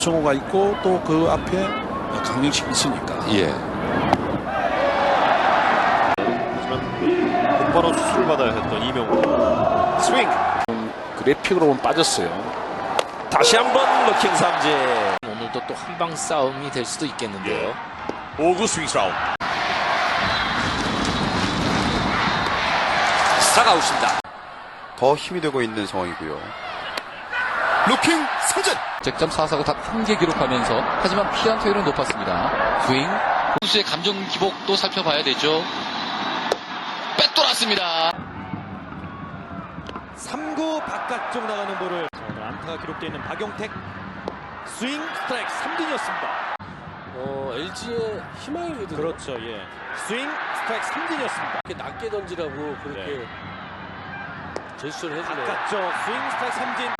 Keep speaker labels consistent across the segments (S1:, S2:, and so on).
S1: 정호가 있고 또 그 앞에 강민식이 있으니까.
S2: 예.
S3: 하지만 곧바로 수술을 받아야 했던 이명호. 스윙.
S1: 그래픽으로 보면 빠졌어요.
S3: 다시 한번 루킹 삼진.
S4: 오늘도 또 한방 싸움이 될 수도 있겠는데요.
S3: 5구 스윙 스라운. 스트라이크아웃입니다.
S2: 더 힘이 되고 있는 상황이고요. 루킹 삼진.
S5: 득점 4사구 단 1개 기록하면서 하지만 피안 투율은 높았습니다. 스윙. 선수의 감정 기복도 살펴봐야 되죠. 빼돌았습니다.
S3: 3구 바깥쪽 나가는 볼을 오늘 안타가 기록되어 있는 박용택. 스윙 스트라이크 삼진이었습니다.
S6: LG의 희망이거든요.
S3: 그렇죠. 예. 스윙 스트라이크 삼진이었습니다.
S6: 이렇게 낮게 던지라고 그렇게 제스처를 해주네요.
S3: 바깥쪽 스윙 스트라이크 삼진.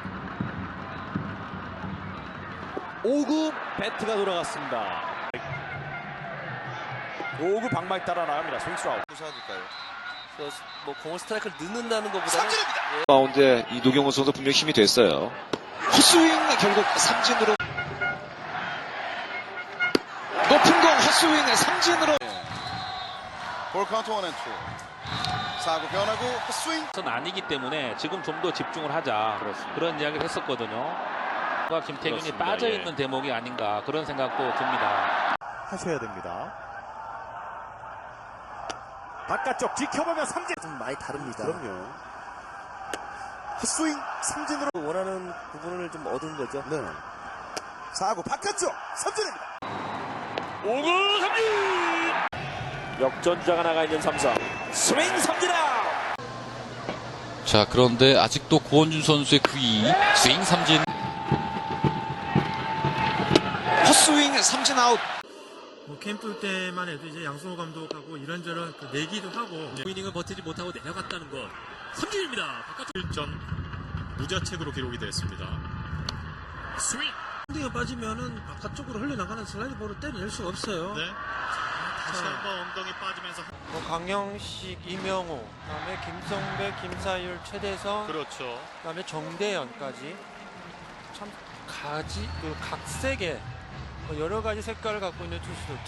S3: 5구 배트가 돌아갔습니다. 5구 방망이 따라 나갑니다. 스윙 스라운.
S6: 뭐 공을 스트라이크를 넣는다는 것보다는
S7: 마운드에 이 노경호 선수 분명 힘이 됐어요. 헛스윙 결국 삼진으로 높은 공 헛스윙 삼진으로.
S2: 볼 카운트 1&2. 4구 변하고 헛스윙.
S8: 는 아니기 때문에 지금 좀 더 집중을 하자. 그런 이야기를 했었거든요. 김태균이
S3: 그렇습니다.
S8: 빠져있는
S3: 예.
S8: 대목이 아닌가 그런 생각도 듭니다.
S3: 하셔야 됩니다. 바깥쪽 지켜보면 삼진.
S6: 좀 많이 다릅니다.
S3: 그럼요. 헛스윙 삼진으로.
S6: 원하는 부분을 좀 얻은 거죠.
S3: 네. 4구 바깥쪽 삼진입니다. 5구 삼진. 역전자가 나가 있는 삼성. 스윙 삼진 아웃.
S5: 자, 그런데 아직도 고원준 선수의 9위. 스윙 삼진.
S7: 헛스윙 삼진 아웃.
S9: 캠프 때만 해도 이제 양승호 감독하고 이런저런 내기도 하고 이닝을 버티지 못하고 내려갔다는 것. 삼진입니다. 바깥쪽 1점 무자책으로 기록이 됐습니다. 스윙. 엉덩이가 빠지면은 바깥쪽으로 흘러나가는 슬라이드 볼을 때려낼 수가 없어요. 네. 다시 한번 엉덩이 빠지면서
S10: 강영식, 이명호, 그다음에 김성배, 김사율, 최대성,
S3: 그렇죠.
S10: 그다음에 정대현까지 참 각색의 여러 가지 색깔을 갖고 있는 투수들.